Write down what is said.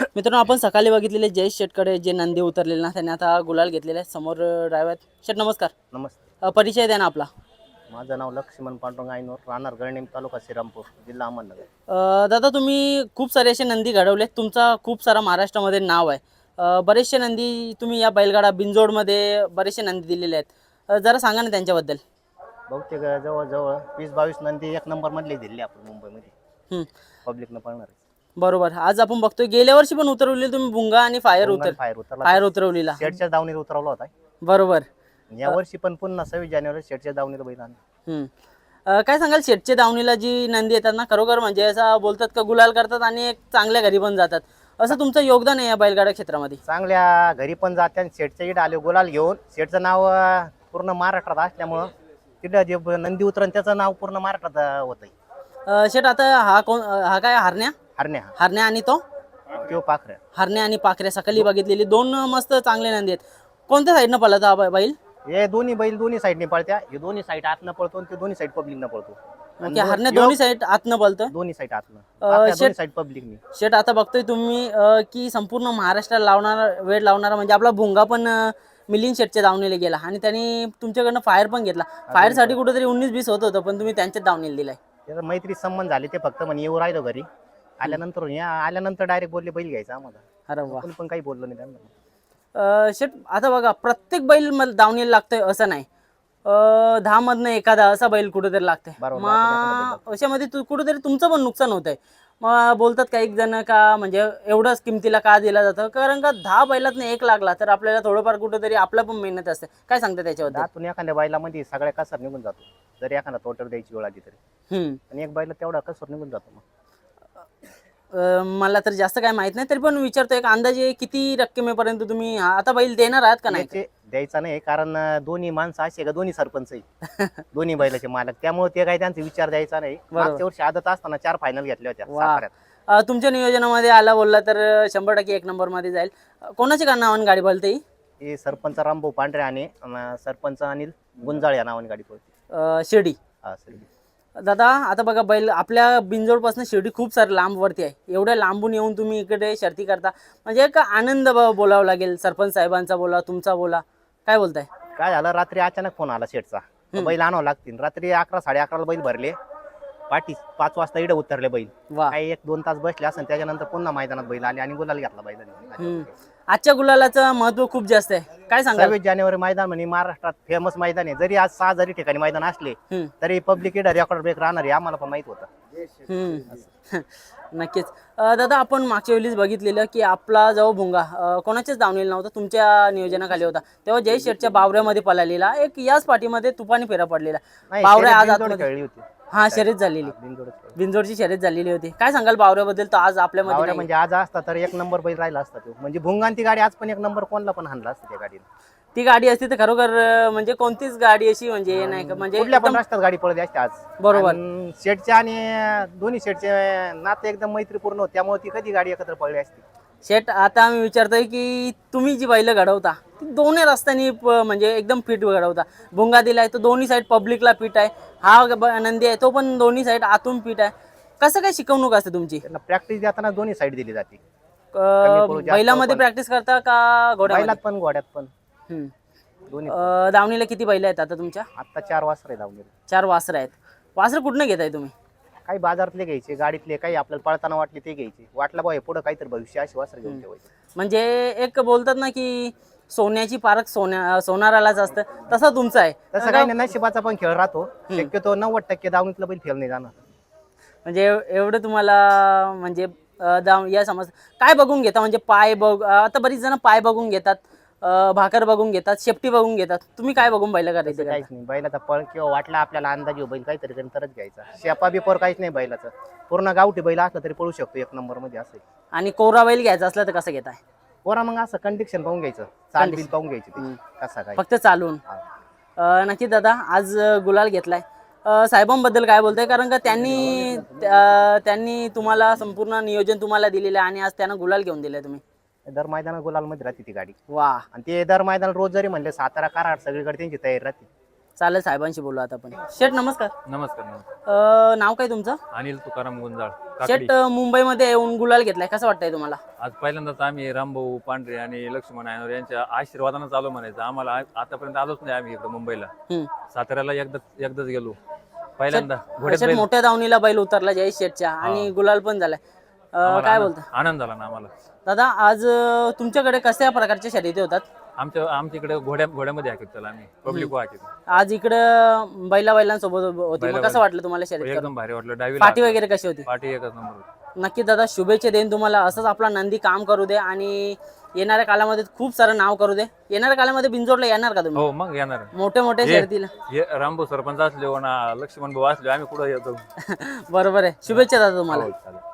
मित्रांनो, आपण सकाळी बघितलेले जयेश शेटकडे जे नंदी उतरलेले ना, त्यांनी आता गुलाल घेतलेले आहे. समोर ड्रायव्हर शेट, नमस्कार. नमस्ते. परिचय द्या ना आपला. माझं नाव लक्ष्मण पांडुरंग आयनोर, राहणार गळणेम, तालुका श्रीरामपूर, जिल्हा अहमदनगर. दादा, तुम्ही खूप सारे असे नंदी घडवले, तुमचा खूप सारा महाराष्ट्रामध्ये नाव आहे. बरेचसे नंदी तुम्ही या बैलगाडा बिनजोडमध्ये बरेचसे नंदी दिलेले आहेत. जरा सांगा ना त्यांच्याबद्दल. बहुतेक जवळजवळ 20-22 नंदी एक नंबर मधले दिले आपण मुंबईमध्ये पब्लिकनं पळणार. बरोबर. आज आपण बघतोय गेल्या वर्षी पण उतरवली तुम्ही भुंगा आणि फायर फायर उतरवलेला, शेटच्या दावणीला उतरवला होता. बरोबर. या वर्षी पण पुन्हा 26 जानेवारी शेटच्या दावणीला बैल आणला. काय सांगाल, शेटच्या दावणीला जी नंदी येतात ना, खरोखर म्हणजे असं बोलतात का गुलाल करतात आणि एक चांगल्या घरी पण जातात, असं तुमचं योगदान आहे या बैलगाडा क्षेत्रामध्ये. चांगल्या घरी पण जाते आणि शेटच्या इकडे आले गुलाल घेऊन. शेटचं नाव पूर्ण महाराष्ट्रात असल्यामुळं तिथं जे नंदी उतरण त्याचं नाव पूर्ण महाराष्ट्रात होतंय. शेट, आता हा काय हरण्या हरण्या हरण्या आणि तो पाखऱ्या. हरण्या आणि पाखऱ्या सकाळी बघितलेली दोन मस्त चांगले नंदी आहेत. कोणत्या साईडनं पळत हा बैल? हे दोन्ही बैल दोन्ही साईडने पळत्या. हे दोन्ही साईड आतनं पळतो आणि ते दोन्ही साईड पब्लिकनं पळतो. हरण्या दोन्ही साईड आतनं पळतं, दोन्ही साईड आतनं, दोन्ही साईड पब्लिकनी. शेट, आता बघतोय तुम्ही की संपूर्ण महाराष्ट्राला लावणारा वेळ लावणारा म्हणजे आपला भुंगा पण मिलिंद शेटच्या दावणीला गेला आणि त्यांनी तुमच्याकडनं फायर पण घेतला. फायर साठी कुठेतरी 19-20 होत होतं, पण तुम्ही त्यांच्याच दावणीला दिलाय. त्याचा मैत्री संबंध झाले. ते फक्त म्हणे येऊ राहिलो घरी. आल्यानंतर डायरेक्ट बोलले बैल घ्यायचा आम्हाला. अरे वा. पण काही बोललो नाही त्यांना. शेट, आता बघा, प्रत्येक बैल दावणीला लागतोय असं नाही. 10 मधनं एखादा असा बैल कुठेतरी लागतंय. मग अशामध्ये कुठेतरी तुमचं पण नुकसान होतंय. मग बोलतात काही जण का म्हणजे एवढंच किमतीला का दिला जातं, कारण का 10 बैलातनं एक लागला तर आपल्याला थोडंफार कुठेतरी आपला पण मेहनत असते. काय सांगता त्याच्याबद्दल? त्यातून एखाद्या बैलामध्ये सगळ्या कसर निघून जातो. जर एखादा तोटर द्यायची वेळ आली तरी, आणि एक बैला तेवढा कसर निघून जातो. मग मला तर जास्त काय माहित नाही, तरी पण विचारतो, एक अंदाजे किती रक्कमेपर्यंत तुम्ही आता बैल देणार आहात का नाही? द्यायचा नाही, कारण दोन्ही माणसं असे का दोन्ही सरपंच आहे दोन्ही बैलाचे मालक, त्यामुळे ते काही त्यांचा विचार द्यायचा नाही. मागच्या वर्षी आदत असताना 4 फायनल घेतल्या होत्या साताऱ्यात. तुमच्या नियोजनामध्ये आला बोलला तर 100% 1 नंबर मध्ये जाईल. कोणाच्या का नावाने गाडी बोलते? हे सरपंच रामभाऊ पांढरे आणि सरपंच अनिल गुंजाळ या नावाने गाडी पळते. शिर्डी. हा, शिर्डी. दादा, आता बघा, बैल आपल्या बिनजोडपासून शिर्डी खूप सारे लांबवरती आहे. एवढ्या लांबून येऊन तुम्ही इकडे शर्ती करता, म्हणजे एक आनंद बोलावा लागेल. सरपंच साहेबांचा बोला, तुमचा बोला, काय बोलताय? काय झालं, रात्री अचानक फोन आला शेटचा, बैल आणावं लागतील. रात्री 11-11:30 बैल भरले. पाठी 5 वाजता इडे उतरले बैल. काही 1-2 तास बसले असेल, त्याच्यानंतर पुन्हा मैदानात बैल आले आणि गुलाल घेतला बैलांनी. आजच्या गुलालाचं महत्व खूप जास्त आहे. काय सांगा? 26 जानेवारी मैदान म्हणजे महाराष्ट्रात फेमस मैदान आहे. जरी आज 6 जरी ठिकाणी मैदान असले तरी पब्लिक इडे रेकॉर्ड ब्रेक राहणार आहे, आम्हाला पण माहित होतं. नक्कीच. दादा, आपण मागच्या वेळीच बघितलेलं की आपला जो भुंगा कोणाच्याच दावणीला नव्हता, तुमच्या नियोजनाखाली होता. तेव्हा जय शेटच्या बावऱ्यामध्ये पळालेला, एक याच पाठीमध्ये तुफानी फेरा पडलेला बावऱ्या आज खेळली होती. हा, शर्यत झालेली, बिनजोडची शर्यत झालेली होती. काय सांगाल बावऱ्याबद्दल? तर आज आपल्यामध्ये म्हणजे आज असता तर 1 नंबर बैल राहिला असता तो. म्हणजे भुंगांती गाडी आज पण 1 नंबर कोणला पण हाणला असतं त्या गाडीला. ती गाडी असती तर खरोखर म्हणजे कोणतीच गाडी अशी म्हणजे नाही का, म्हणजे कुठल्या पण रस्त्यात गाडी पळते असते आज. बरोबर. शेटच्या आणि दोन्ही शेटचे नाते एकदम मैत्रीपूर्ण होते, त्यामुळे ती कधी गाडी एकत्र पळली असती. शेट, आता आम्ही विचारतोय की तुम्ही जी बैल घडवता ती दोन्ही रस्त्यांनी म्हणजे एकदम फिट घडवता. भुंगा दिलाय तो दोन्ही साईड पब्लिकला फिट आहे. हा नंदी आहे तो पण दोन्ही साईड आतून फिट आहे. कसं काय शिकवणूक असते तुमची? प्रॅक्टिस देताना दोन्ही साईड दिली जाते. बैलामध्ये प्रॅक्टिस करता का घोड्यात पण? घोड्यात पण. दावणीला किती बैल आहेत आता तुमच्या? आता 4 वासरं आहे दावणीला. 4 वासरं आहेत. वासरं कुठनं घेताय तुम्ही? काही बाजारातले घ्यायचे, गाडीतले, काही आपल्याला पळताना वाटले ते घ्यायचे. वाटलं बा पुढे काहीतरी भविष्य अशी वासरं घेऊन ठेवायचे. म्हणजे एक बोलतात ना की सोन्याची पारख सोनारालाच असतं, तसं तुमचं आहे. तसं काही नाही, नशिबाचा पण खेळ राहतो. शक्यतो 90% दावणीतलं बैल फेल नाही जाणार. म्हणजे एवढं तुम्हाला म्हणजे या समज काय बघून घेता? म्हणजे पाय आता बरीच जण पाय बघून घेतात, भाकर बघून घेतात, शेपटी बघून घेतात. तुम्ही काय बघून बैल करायचं? काहीच नाही. बैलाचा पळ किंवा वाटला आपल्याला अंदाज बैल काहीतरी तरच घ्यायचा. शेपा बिपोर काहीच नाही बैलाचं. पूर्ण गावठी बैल असला तरी पळू शकतो 1 नंबर मध्ये असेल. आणि कोरा बैल घ्यायचा असला तर कसं घेताय? कोरा मग असं कंडिशन पाहून घ्यायचं, चाल बिल पाहून घ्यायची, कसा काय फक्त चालून. नक्की दादा, आज गुलाल घेतलाय. साहेबांबद्दल काय बोलताय? कारण का त्यांनी तुम्हाला संपूर्ण नियोजन तुम्हाला दिलेलं आहे आणि आज त्यांना गुलाल घेऊन दिलाय तुम्ही. दर मैदानात गुलाल मध्ये राहते ती गाडी. वा. आणि ते दर मैदान रोज जरी म्हणले सातारा कराड सगळीकडे त्यांची तयारी राहते. चालेल, साहेबांशी बोलू आता आपण. शेठ नमस्कार. नमस्कार. नाव काय तुमचं? अनिल तुकाराम गुंजाळ काकडी. शेठ मुंबईमध्ये येऊन गुलाल घेतलाय, कसं वाटतंय तुम्हाला? आज पहिल्यांदाच आम्ही रामभाऊ पांढरे आणि लक्ष्मण नायनवर यांच्या आशीर्वादानं चालू म्हणायचं. आम्हाला आतापर्यंत आलोच नाही आम्ही इकडे मुंबईला. साताऱ्याला एकदाच गेलो पहिल्यांदा. शेठ मोठ्या दावणीला बैल उतरला जय शेठच्या आणि गुलाल पण झालाय. काय बोलता? आनंद झाला ना आम्हाला. दादा आज तुमच्याकडे कशा प्रकारच्या शर्यती होतात? आमच्याकडे घोड्यामध्ये हाकीत चला आम्ही पब्लिक हाकीत. आज इकडे बैलांसोबत होती, मग कसं वाटलं तुम्हाला शर्यत? एकदम भारी वाटलं. डावी पाठी वगैरे कशी होती? पाठी एकच नंबर होती. नक्की दादा, शुभेच्छा देईन तुम्हाला. असंच आपला नंदी काम करू दे आणि येणाऱ्या काळामध्ये खूप सारं नाव करू दे. येणाऱ्या काळामध्ये बिंजोडला येणार का तुम्ही? हो मग येणार. मोठे मोठे शर्यतीला रामभाऊ सरपंच असले ना लक्ष्मण भाऊ असले आम्ही कुठं येतो. बरोबर आहे. शुभेच्छा दादा तुम्हाला. हो, चालेल.